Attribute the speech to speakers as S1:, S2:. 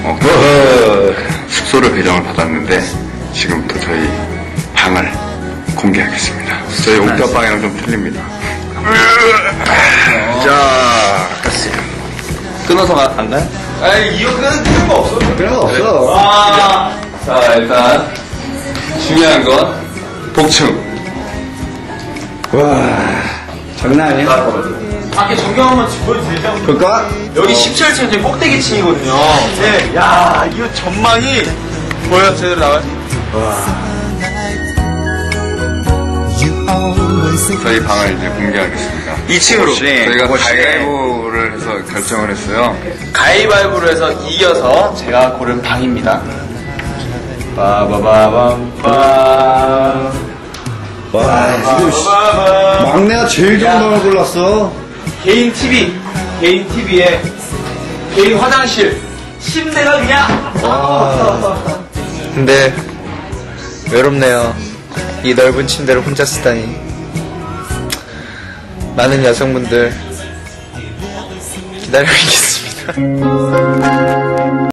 S1: 숙소를 배정을 받았는데 지금부터 저희 방을 공개하겠습니다. 저희 옥탑방이랑 좀 틀립니다. 자, 갔어요.
S2: 끊어서 안 가요?
S3: 아니, 이거 끊을 필요가 없어.
S1: 필요가 없어.
S2: 자, 일단 중요한 건 복층.
S1: 와, 장난 아니야?
S3: 밖에 전경 한번 보여드리자.
S1: 볼까?
S3: 여기 17층 이제 꼭대기층이거든요. 네, 야, 이거 전망이 보여, 제대로 나와요?
S1: 저희 방을 이제 공개하겠습니다.
S3: 2층으로.
S1: 저희가 가위바위보를 해서 결정을 했어요.
S3: 가위바위보로 해서 이겨서 제가 고른 방입니다. 빠바바밤빰.
S1: 와, 이거 막내가 제일 좋은 방을 골랐어.
S3: 개인 TV, 개인 TV에 개인 화장실, 침대가 그냥.
S2: 근데 외롭네요. 이 넓은 침대를 혼자 쓰다니. 많은 여성분들 기다리고 있겠습니다.